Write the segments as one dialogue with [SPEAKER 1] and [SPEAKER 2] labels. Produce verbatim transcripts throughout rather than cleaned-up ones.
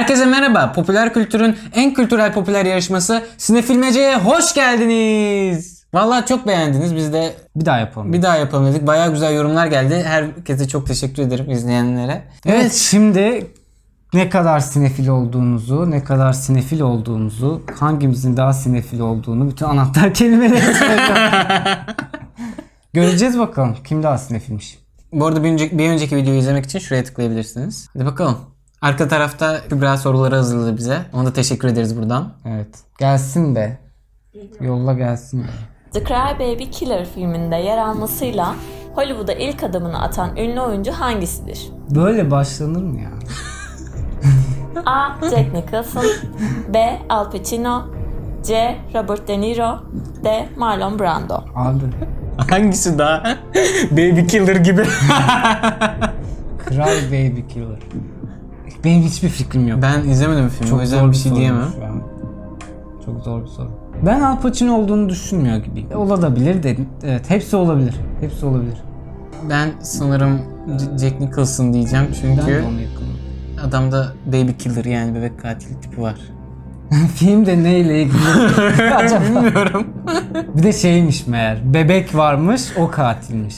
[SPEAKER 1] Herkese merhaba. Popüler kültürün en kültürel popüler yarışması Sinefilmece'ye hoş geldiniz. Vallahi çok beğendiniz. Biz de
[SPEAKER 2] bir daha yapalım.
[SPEAKER 1] Bir daha yapalım dedik. Bayağı güzel yorumlar geldi. Herkese çok teşekkür ederim, izleyenlere.
[SPEAKER 2] Evet, evet şimdi ne kadar sinefil olduğunuzu, ne kadar sinefil olduğumuzu, hangimizin daha sinefil olduğunu bütün anahtar kelimeleri göreceğiz bakalım. Kim daha sinefilmiş.
[SPEAKER 1] Bu arada bir önceki, bir önceki videoyu izlemek için şuraya tıklayabilirsiniz. Hadi bakalım. Arka tarafta Kübra soruları hazırladı bize. Ona da teşekkür ederiz buradan.
[SPEAKER 2] Evet. Gelsin be. Yolla gelsin be.
[SPEAKER 3] The Cry Baby Killer filminde yer almasıyla Hollywood'a ilk adımını atan ünlü oyuncu hangisidir?
[SPEAKER 2] Böyle başlanır mı ya?
[SPEAKER 3] A. Jack Nicholson, B. Al Pacino, C. Robert De Niro, D. Marlon Brando.
[SPEAKER 2] Abi.
[SPEAKER 1] Hangisi daha? Baby Killer gibi.
[SPEAKER 2] Cry Baby Killer. Benim hiçbir fikrim yok.
[SPEAKER 1] Ben izlemedim filmi.
[SPEAKER 2] Çok
[SPEAKER 1] o yüzden
[SPEAKER 2] zor
[SPEAKER 1] bir şey diyemem.
[SPEAKER 2] Çok zor bir soru. Ben Al Pacino olduğunu düşünmüyor gibiyim. Olabilir dedim. Evet, hepsi olabilir. Hepsi olabilir.
[SPEAKER 1] Ben sanırım Jack Nicholson diyeceğim çünkü
[SPEAKER 2] Ben de ona yakınım.
[SPEAKER 1] adamda Baby Killer yani bebek katili tipi var.
[SPEAKER 2] Filmde neyle ilgili acaba?
[SPEAKER 1] Bilmiyorum.
[SPEAKER 2] Bir de şeymiş meğer. Bebek varmış, o katilmiş.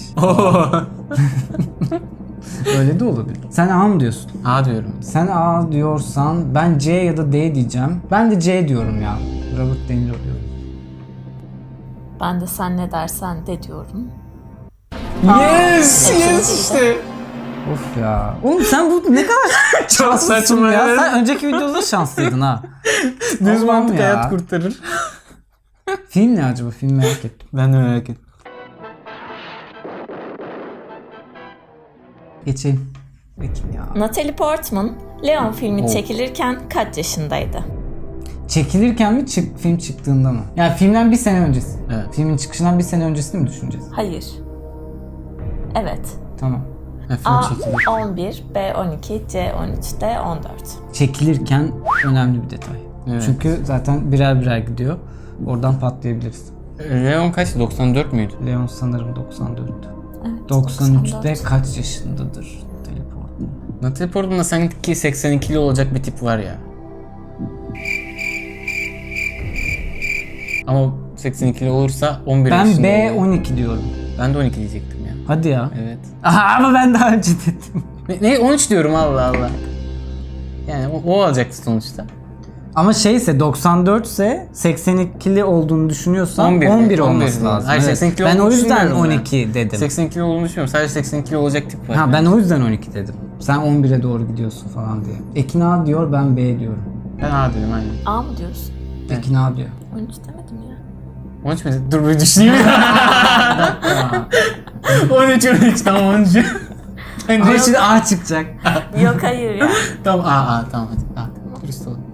[SPEAKER 2] Öyle de olabilir. Sen A mı diyorsun?
[SPEAKER 1] A diyorum.
[SPEAKER 2] Sen A diyorsan ben C ya da D diyeceğim. Ben de C diyorum ya. Robert De Niro diyorum.
[SPEAKER 3] Ben de sen ne dersen de diyorum.
[SPEAKER 1] Yes! Yes işte.
[SPEAKER 2] Of ya. Oğlum sen bu ne kadar
[SPEAKER 1] Çok saçma
[SPEAKER 2] ya.
[SPEAKER 1] ya.
[SPEAKER 2] Sen önceki videoda da şanslıydın ha.
[SPEAKER 1] Düz
[SPEAKER 2] Allah'ım
[SPEAKER 1] mantık
[SPEAKER 2] ya.
[SPEAKER 1] hayat kurtarır.
[SPEAKER 2] Film ne acaba? Film merak ettim.
[SPEAKER 1] Ben de merak ettim.
[SPEAKER 2] Geçelim. Geçelim ya.
[SPEAKER 3] Natalie Portman, Leon filmi
[SPEAKER 1] Oh.
[SPEAKER 3] çekilirken kaç yaşındaydı?
[SPEAKER 2] Çekilirken mi çık, film çıktığında mı? Yani filmden bir sene öncesi.
[SPEAKER 1] Evet.
[SPEAKER 2] Filmin çıkışından bir sene öncesini mi düşüneceğiz?
[SPEAKER 3] Hayır. Evet.
[SPEAKER 2] Tamam.
[SPEAKER 1] Ha, film
[SPEAKER 3] A.
[SPEAKER 1] çekilir.
[SPEAKER 3] on bir, B. on iki, C. on üç, D. on dört.
[SPEAKER 2] Çekilirken önemli bir detay.
[SPEAKER 1] Evet.
[SPEAKER 2] Çünkü zaten birer birer gidiyor. Oradan patlayabiliriz.
[SPEAKER 1] Leon kaç? doksan dört müydü?
[SPEAKER 2] Leon sanırım doksan dört.
[SPEAKER 3] Evet,
[SPEAKER 2] doksan üçte
[SPEAKER 3] doksan dört.
[SPEAKER 2] kaç yaşındadır Teleport?
[SPEAKER 1] Natalie Portman'da sanki seksen ikili olacak bir tip var ya. Ama seksen ikili olursa on bir
[SPEAKER 2] Ben
[SPEAKER 1] yaşında
[SPEAKER 2] B
[SPEAKER 1] oluyor.
[SPEAKER 2] on iki diyorum.
[SPEAKER 1] Ben de on iki diyecektim ya.
[SPEAKER 2] Hadi ya.
[SPEAKER 1] Evet.
[SPEAKER 2] Aha, ama ben daha önce dedim.
[SPEAKER 1] Ne, ne on üç diyorum Allah Allah. Yani o, o olacaktı sonuçta.
[SPEAKER 2] Ama şeyse doksan dört ise seksen ikili olduğunu düşünüyorsan
[SPEAKER 1] on bir,
[SPEAKER 2] on bir
[SPEAKER 1] on bir
[SPEAKER 2] olması lazım.
[SPEAKER 1] Hayır,
[SPEAKER 2] Evet.
[SPEAKER 1] seksen iki
[SPEAKER 2] Ben o
[SPEAKER 1] olduğunu
[SPEAKER 2] yüzden
[SPEAKER 1] düşünmüyorum
[SPEAKER 2] on
[SPEAKER 1] ben.
[SPEAKER 2] iki dedim.
[SPEAKER 1] seksen ikili olduğunu düşünmüyorum. Sadece seksen ikili olacak tip var.
[SPEAKER 2] Ha ben o yüzden on iki dedim. Sen on bire doğru gidiyorsun falan diye. Ekin A diyor, ben B diyorum.
[SPEAKER 1] Ben A dedim aynen.
[SPEAKER 3] A mı diyorsun?
[SPEAKER 2] Ekin A diyor.
[SPEAKER 3] on üç demedim ya.
[SPEAKER 1] on üç mi? Dur bir düşüneyim. on üç on üç tamam on üç.
[SPEAKER 2] Ama şimdi A çıkacak.
[SPEAKER 3] Yok hayır ya.
[SPEAKER 1] Tamam A A tamam hadi. A tamam. Dürüst ol.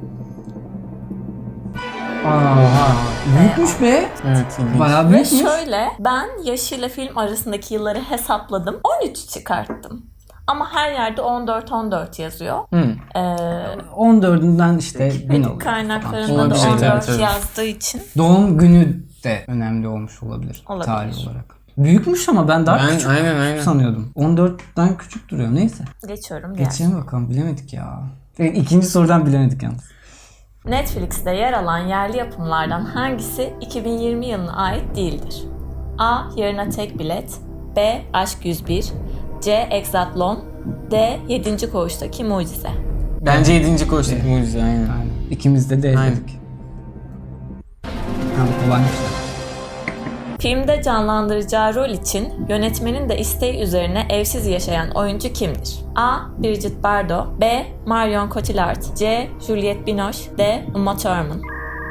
[SPEAKER 2] Aa, büyükmüş be.
[SPEAKER 1] Evet. ilginç.
[SPEAKER 2] Bayağı
[SPEAKER 3] Ve
[SPEAKER 2] büyükmüş.
[SPEAKER 3] şöyle, ben yaşıyla film arasındaki yılları hesapladım. on üç çıkarttım. Ama her yerde on dört on dört yazıyor.
[SPEAKER 1] Hı.
[SPEAKER 3] Ee,
[SPEAKER 2] on dördünden işte bin olur.
[SPEAKER 3] kaynaklarında
[SPEAKER 1] Olabilir,
[SPEAKER 3] da on dört
[SPEAKER 1] evet, evet.
[SPEAKER 3] yazdığı için.
[SPEAKER 2] Doğum günü de önemli olmuş olabilir.
[SPEAKER 3] Olabilir.
[SPEAKER 2] Tarih olarak. Büyükmüş ama ben daha
[SPEAKER 1] Ben
[SPEAKER 2] küçük
[SPEAKER 1] aynen aynen.
[SPEAKER 2] sanıyordum. on dörtten küçük duruyor. Neyse.
[SPEAKER 3] Geçiyorum diğer.
[SPEAKER 2] Geçelim bakalım. Bilemedik ya. E, İkinci sorudan bilemedik yalnız.
[SPEAKER 3] Netflix'te yer alan yerli yapımlardan hangisi iki bin yirmi yılına ait değildir? A. Yarına Tek Bilet, B. Aşk yüz bir, C. Exatlon, D. Yedinci Koğuştaki Mucize.
[SPEAKER 1] Bence yedinci koştuk mucize aynen.
[SPEAKER 2] Aynen. İkimiz de D
[SPEAKER 1] Aynen.
[SPEAKER 2] dedik. Ha, bu kolaymış da.
[SPEAKER 3] Filmde canlandıracağı rol için yönetmenin de isteği üzerine evsiz yaşayan oyuncu kimdir? A. Brigitte Bardot, B. Marion Cotillard, C. Juliette Binoche, D. Uma Thurman.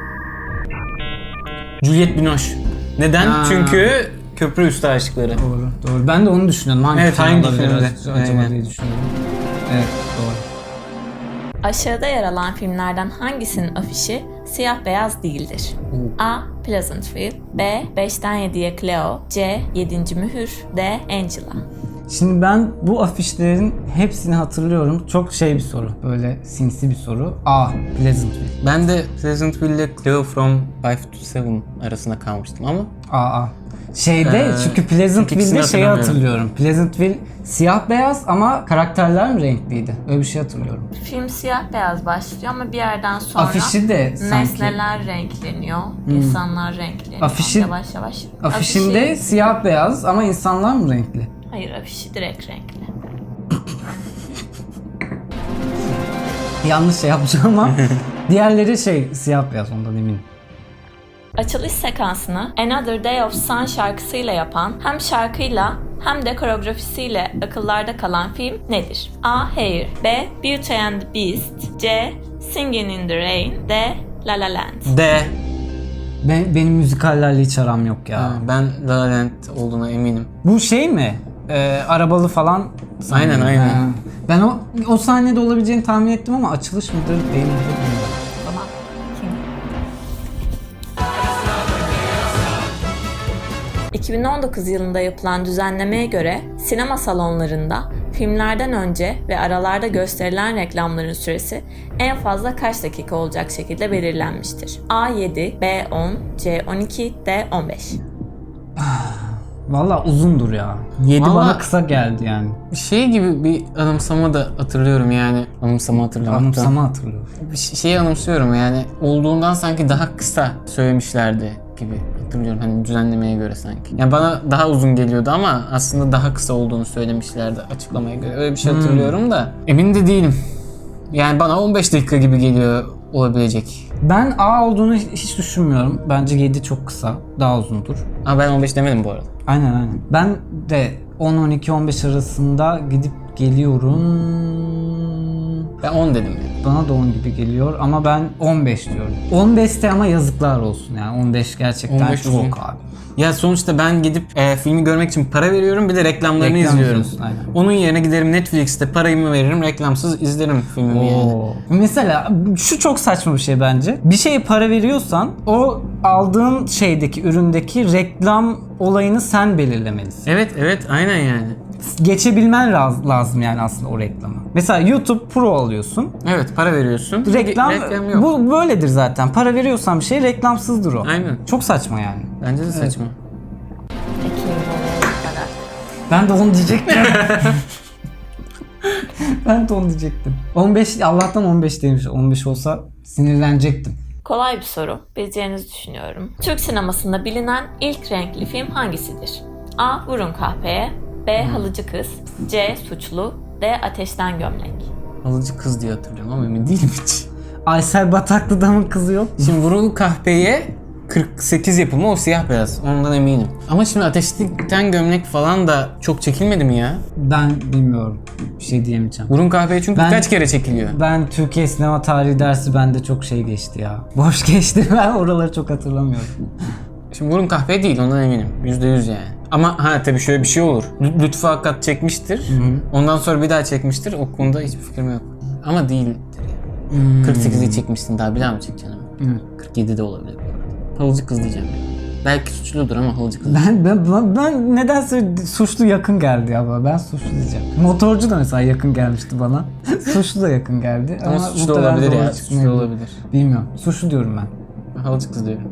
[SPEAKER 1] Juliette Binoche. Neden?
[SPEAKER 2] Ha.
[SPEAKER 1] Çünkü Köprü Üstü Aşıkları.
[SPEAKER 2] Doğru. Doğru. Ben de onu düşünüyordum. Hangi
[SPEAKER 1] Evet,
[SPEAKER 2] film
[SPEAKER 1] hangi
[SPEAKER 2] olabilir
[SPEAKER 1] filmde?
[SPEAKER 2] acaba
[SPEAKER 1] Aynen.
[SPEAKER 2] diye düşünüyordum. Evet, doğru.
[SPEAKER 3] Aşağıda yer alan filmlerden hangisinin afişi siyah beyaz değildir? A. Pleasantville, B. beşten yediye Cleo, C. yedinci Mühür, D. Angela.
[SPEAKER 2] Şimdi ben bu afişlerin hepsini hatırlıyorum. Çok şey bir soru. Böyle sinsi bir soru. A. Pleasantville.
[SPEAKER 1] Ben de Pleasantville ile Cleo from five to seven arasında kalmıştım ama
[SPEAKER 2] A. A. Şeyde
[SPEAKER 1] Ee,
[SPEAKER 2] çünkü
[SPEAKER 1] çünkü
[SPEAKER 2] Pleasantville'de
[SPEAKER 1] ikisini
[SPEAKER 2] şeyi
[SPEAKER 1] hatırlamıyorum.
[SPEAKER 2] hatırlıyorum. Pleasantville siyah beyaz ama karakterler mi renkliydi? Öyle bir şey hatırlıyorum.
[SPEAKER 3] Film siyah beyaz başlıyor ama bir yerden sonra
[SPEAKER 2] Afişi de sanki.
[SPEAKER 3] nesneler renkleniyor, insanlar renkleniyor.
[SPEAKER 2] Afişi-
[SPEAKER 3] yavaş yavaş.
[SPEAKER 2] Afişinde
[SPEAKER 3] Afişi-
[SPEAKER 2] siyah beyaz ama insanlar mı renkli?
[SPEAKER 3] Hayır, afişi direkt renkli.
[SPEAKER 2] Yanlış şey yapacağım ama diğerleri şey siyah beyaz, ondan eminim.
[SPEAKER 3] Açılış sekansını Another Day of Sun şarkısıyla yapan, hem şarkıyla hem de koreografisiyle akıllarda kalan film nedir? A. Hair, B. Beauty and the Beast, C. Singing in the Rain, D. La La Land.
[SPEAKER 1] D.
[SPEAKER 2] Ben, benim müzikallerle hiç aram yok ya.
[SPEAKER 1] Ha, ben La La Land olduğuna eminim.
[SPEAKER 2] Bu şey mi? Ee, arabalı falan.
[SPEAKER 1] Aynen, aynen.
[SPEAKER 2] Ha. Ben o o sahnede olabileceğini tahmin ettim ama açılış mıdır değil midir bilmiyorum.
[SPEAKER 3] O zaman kim? iki bin on dokuz yılında yapılan düzenlemeye göre sinema salonlarında filmlerden önce ve aralarda gösterilen reklamların süresi en fazla kaç dakika olacak şekilde belirlenmiştir? A yedi, B on, C on iki, D on beş.
[SPEAKER 2] Valla uzundur ya. yedi
[SPEAKER 1] Vallahi-
[SPEAKER 2] bana kısa geldi yani.
[SPEAKER 1] Şey gibi bir anımsama da hatırlıyorum yani. Anımsama hatırlamaktan.
[SPEAKER 2] Anımsama hatırlıyorum.
[SPEAKER 1] Bir ş- şeyi anımsıyorum yani. Olduğundan sanki daha kısa söylemişlerdi gibi hatırlıyorum. Hani düzenlemeye göre sanki. Yani bana daha uzun geliyordu ama aslında daha kısa olduğunu söylemişlerdi açıklamaya göre. Öyle bir şey hatırlıyorum da. Emin de değilim. Yani bana on beş dakika gibi geliyor olabilecek.
[SPEAKER 2] Ben A olduğunu hiç düşünmüyorum. Bence yedi çok kısa. Daha uzundur.
[SPEAKER 1] Ama ben on beş demedim bu arada.
[SPEAKER 2] Aynen aynen. Ben de on, on iki, on beş arasında gidip geliyorum.
[SPEAKER 1] Ben on dedim yani.
[SPEAKER 2] Bana da on gibi geliyor ama ben on beş diyorum. on beşte ama yazıklar olsun yani. on beş gerçekten
[SPEAKER 1] on beş
[SPEAKER 2] çok
[SPEAKER 1] uzun.
[SPEAKER 2] abi.
[SPEAKER 1] Ya sonuçta ben gidip e, filmi görmek için para veriyorum, bir de reklamlarını
[SPEAKER 2] Reklam
[SPEAKER 1] izliyorum.
[SPEAKER 2] izliyorsun, aynen.
[SPEAKER 1] Onun yerine giderim Netflix'te parayımı veririm, reklamsız izlerim filmimi yani.
[SPEAKER 2] Oo. Mesela şu çok saçma bir şey bence. Bir şeye para veriyorsan o aldığın şeydeki, üründeki reklam olayını sen belirlemelisin.
[SPEAKER 1] Evet evet aynen yani.
[SPEAKER 2] Geçebilmen laz- lazım yani aslında o reklamı. Mesela YouTube Pro alıyorsun.
[SPEAKER 1] Evet para veriyorsun.
[SPEAKER 2] Reklam,
[SPEAKER 1] Reklam yok.
[SPEAKER 2] bu böyledir zaten. Para veriyorsan bir şey reklamsızdır o.
[SPEAKER 1] Aynen.
[SPEAKER 2] Çok saçma yani.
[SPEAKER 1] Bence de saçma.
[SPEAKER 3] Peki bu kadar.
[SPEAKER 2] Ben de onu diyecektim. ben de onu diyecektim. on beş Allah'tan on beş demiş. on beş olsa sinirlenecektim.
[SPEAKER 3] Kolay bir soru. Bileceğinizi düşünüyorum. Türk sinemasında bilinen ilk renkli film hangisidir? A. Vurun Kahpeye, B. Halıcı Kız, C. Suçlu, D. Ateşten Gömlek.
[SPEAKER 1] Alıcı kız diye hatırlıyorum ama emin değilim hiç.
[SPEAKER 2] Aysel Bataklı'da mı kızı yok?
[SPEAKER 1] Şimdi Vurul Kahpe'ye kırk sekiz yapımı, o siyah beyaz. Ondan eminim. Ama şimdi Ateşten Gömlek falan da çok çekilmedi mi ya?
[SPEAKER 2] Ben bilmiyorum. Bir şey diyemeyeceğim.
[SPEAKER 1] Vurun Kahpe'ye çünkü
[SPEAKER 2] Ben-
[SPEAKER 1] birkaç kere çekiliyor.
[SPEAKER 2] Ben Türkiye sinema tarihi dersi bende çok şey geçti ya. Boş geçti. Ben oraları çok hatırlamıyorum.
[SPEAKER 1] Şimdi Vurun Kahpe değil, ondan eminim. yüzde yüz yani. Ama ha tabii şöyle bir şey olur. Lü- Lütfü Hakikat çekmiştir. Ondan sonra bir daha çekmiştir. O konuda hiçbir fikrim yok. Ama değildir yani. kırk sekizde çekmişsin, daha bir daha mı çekeceksin ama?
[SPEAKER 2] Evet.
[SPEAKER 1] kırk yedide olabilir bu arada. Halıcı kız diyeceğim ya. Belki suçludur ama halıcı kız.
[SPEAKER 2] Ben, ben, ben, ben nedense suçlu yakın geldi ya. Ben suçlu diyeceğim. Motorcu da mesela yakın gelmişti bana. Suçlu da yakın geldi.
[SPEAKER 1] Ama
[SPEAKER 2] Ama
[SPEAKER 1] suçlu
[SPEAKER 2] muhtemelen
[SPEAKER 1] olabilir
[SPEAKER 2] doğru
[SPEAKER 1] ya.
[SPEAKER 2] çıkmayabilir.
[SPEAKER 1] Suçlu olabilir.
[SPEAKER 2] Bilmiyorum. Suçlu diyorum ben.
[SPEAKER 1] Ben halıcı kız diyorum.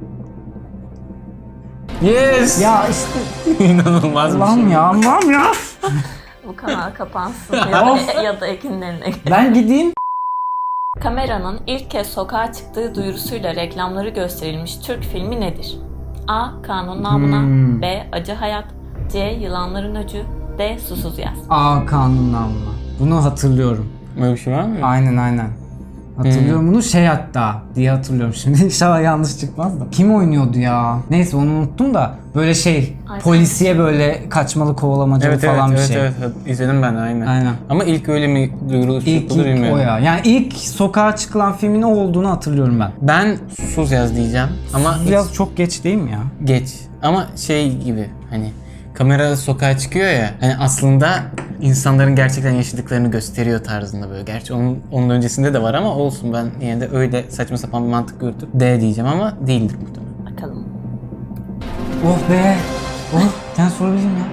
[SPEAKER 1] Yes!
[SPEAKER 2] Ya işte
[SPEAKER 1] İnanılmaz bir
[SPEAKER 2] Allah'ım
[SPEAKER 1] şey.
[SPEAKER 2] ya Allah'ım ya.
[SPEAKER 3] Bu kanal kapansın ya da, ya da Ekin'in eline.
[SPEAKER 2] Ben gideyim.
[SPEAKER 3] Kameranın ilk kez sokağa çıktığı duyurusuyla reklamları gösterilmiş Türk filmi nedir? A. Kanun Namına,
[SPEAKER 2] Hmm.
[SPEAKER 3] B. Acı Hayat, C. Yılanların Öcü, D. Susuz Yaz.
[SPEAKER 2] Aa kanun namına. Bunu hatırlıyorum.
[SPEAKER 1] Böyle bir şey var mı?
[SPEAKER 2] Aynen aynen. Hatırlıyorum bunu şey hatta diye hatırlıyorum şimdi. İnşallah yanlış çıkmaz da. Kim oynuyordu ya? Neyse onu unuttum da böyle şey
[SPEAKER 3] Ay,
[SPEAKER 2] polisiye böyle kaçmalı kovalamacalı
[SPEAKER 1] Evet evet
[SPEAKER 2] falan
[SPEAKER 1] evet,
[SPEAKER 2] bir şey.
[SPEAKER 1] evet evet izledim ben de aynen.
[SPEAKER 2] Aynen.
[SPEAKER 1] Ama ilk öyle mi duyurulur
[SPEAKER 2] İlk,
[SPEAKER 1] çıkılır
[SPEAKER 2] ilk
[SPEAKER 1] bilmiyorum.
[SPEAKER 2] o ya. Yani ilk sokağa çıkılan filmin o olduğunu hatırlıyorum ben.
[SPEAKER 1] Ben Susuz Yaz diyeceğim ama
[SPEAKER 2] Biraz çok geç değil mi ya?
[SPEAKER 1] geç. Ama şey gibi hani kamera sokağa çıkıyor ya, hani aslında insanların gerçekten yaşadıklarını gösteriyor tarzında böyle. Gerçi onun, onun öncesinde de var ama olsun, ben yine de öyle saçma sapan bir mantık yürütüp D diyeceğim ama değildir muhtemelen.
[SPEAKER 3] Bakalım.
[SPEAKER 2] Oh be. Oh sen sorabilirim ya.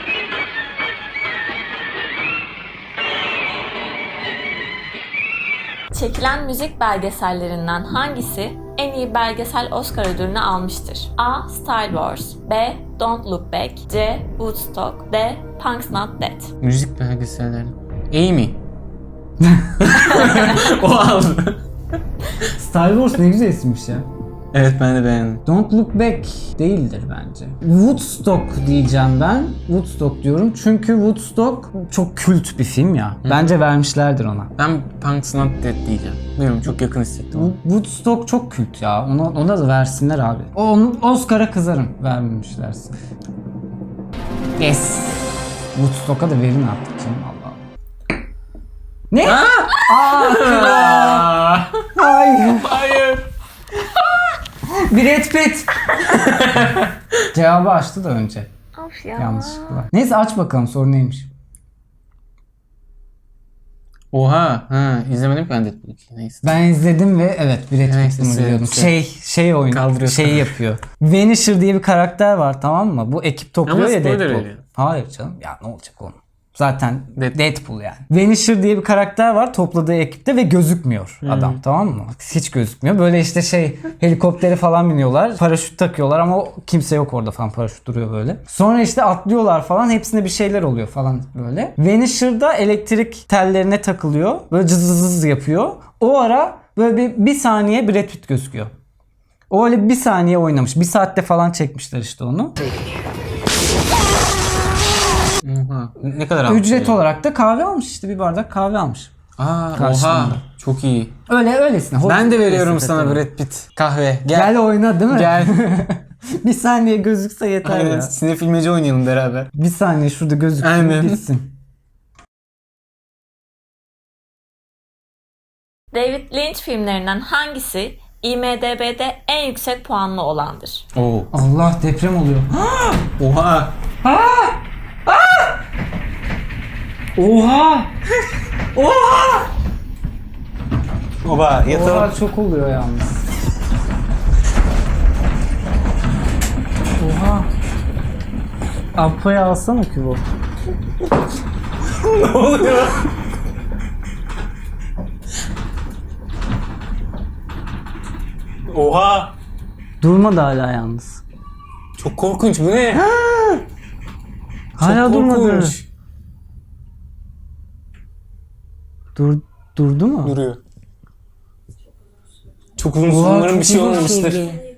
[SPEAKER 3] Çekilen müzik belgesellerinden hangisi en iyi belgesel Oscar ödülünü almıştır? A. Star Wars, B. Don't Look Back, C. Woodstock, D. Punk's Not Dead.
[SPEAKER 1] Müzik belgeselleri. Amy. O aldı.
[SPEAKER 2] Star Wars ne güzel isimmiş ya.
[SPEAKER 1] Evet, ben de beğendim.
[SPEAKER 2] Don't Look Back değildir bence. Woodstock diyeceğim ben. Woodstock diyorum çünkü Woodstock çok kült bir film ya. Bence vermişlerdir ona.
[SPEAKER 1] Ben Punk's Not Dead diyeceğim. Bilmiyorum, çok yakın hissettim. onu.
[SPEAKER 2] Woodstock çok kült ya. Ona, ona da versinler abi. Onu Oscar'a kızarım vermemişlerse. Yes. Woodstock'a da verin artık canım, Allah Allah. Ne? Aa, kral. Hayır.
[SPEAKER 1] Hayır.
[SPEAKER 2] Brad Pitt. Cevabı açtı da önce.
[SPEAKER 3] Of ya.
[SPEAKER 2] Yanlışlıkla. Neyse aç bakalım, soru neymiş.
[SPEAKER 1] Oha. Ha, izlemedim ki ben Deadpool ikiyi. Neyse.
[SPEAKER 2] Ben izledim ve evet Brad
[SPEAKER 1] Neyse,
[SPEAKER 2] Pitt'ini biliyordum.
[SPEAKER 1] güzel.
[SPEAKER 2] Şey şey oyun
[SPEAKER 1] Kaldırıyor
[SPEAKER 2] şey
[SPEAKER 1] sana.
[SPEAKER 2] yapıyor. Vanisher diye bir karakter var, tamam mı? Bu ekip topluyor
[SPEAKER 1] Ama
[SPEAKER 2] ya
[SPEAKER 1] spoiler
[SPEAKER 2] Deadpool.
[SPEAKER 1] veriyor.
[SPEAKER 2] Hayır canım, ya ne olacak oğlum. Zaten
[SPEAKER 1] Deadpool.
[SPEAKER 2] Deadpool yani. Vanisher diye bir karakter var topladığı ekipte ve gözükmüyor
[SPEAKER 1] Hmm.
[SPEAKER 2] adam, tamam mı? Hiç gözükmüyor. Böyle işte şey helikoptere falan biniyorlar. Paraşüt takıyorlar ama o- kimse yok orada falan, paraşüt duruyor böyle. Sonra işte atlıyorlar falan, hepsinde bir şeyler oluyor falan böyle. Vanisher'da elektrik tellerine takılıyor. Böyle cız cız cız yapıyor. O ara böyle bir, bir saniye Brad Pitt gözüküyor. O öyle bir saniye oynamış. Bir saatte falan çekmişler işte onu.
[SPEAKER 1] Oha. Ne kadar almış?
[SPEAKER 2] Ücret
[SPEAKER 1] ya?
[SPEAKER 2] olarak da kahve almış, işte bir bardak kahve almış.
[SPEAKER 1] Aa,
[SPEAKER 2] Karşılığında.
[SPEAKER 1] oha. Çok iyi.
[SPEAKER 2] Öyle öylesine.
[SPEAKER 1] Ben de veriyorum
[SPEAKER 2] Hoş-
[SPEAKER 1] sana Brad Pitt. Kahve. Gel.
[SPEAKER 2] Gel oyna değil mi?
[SPEAKER 1] Gel.
[SPEAKER 2] Bir saniye gözükse yeter
[SPEAKER 1] Aynen.
[SPEAKER 2] ya.
[SPEAKER 1] Sinefilmeci oynayalım beraber.
[SPEAKER 2] Bir saniye şurada gözüksün
[SPEAKER 1] Aynen.
[SPEAKER 2] gitsin.
[SPEAKER 3] David Lynch filmlerinden hangisi I M D B'de en yüksek puanlı olandır?
[SPEAKER 1] Oo.
[SPEAKER 2] Allah, deprem oluyor.
[SPEAKER 1] Oha.
[SPEAKER 2] Oha!
[SPEAKER 1] Oba yatalım.
[SPEAKER 2] Oha, çok oluyor yalnız. Oha. Apo'yu alsana Kübo.
[SPEAKER 1] Ne oluyor? Oha.
[SPEAKER 2] Durmadı hala yalnız.
[SPEAKER 1] Çok korkunç, bu ne?
[SPEAKER 2] Hala
[SPEAKER 1] Çok
[SPEAKER 2] durmadı.
[SPEAKER 1] korkunç.
[SPEAKER 2] Dur, durdu mu?
[SPEAKER 1] Duruyor. Çok uzun
[SPEAKER 2] Oha,
[SPEAKER 1] umarım bir
[SPEAKER 2] çok
[SPEAKER 1] şey
[SPEAKER 2] uzun
[SPEAKER 1] olmamıştır.
[SPEAKER 2] sürdü.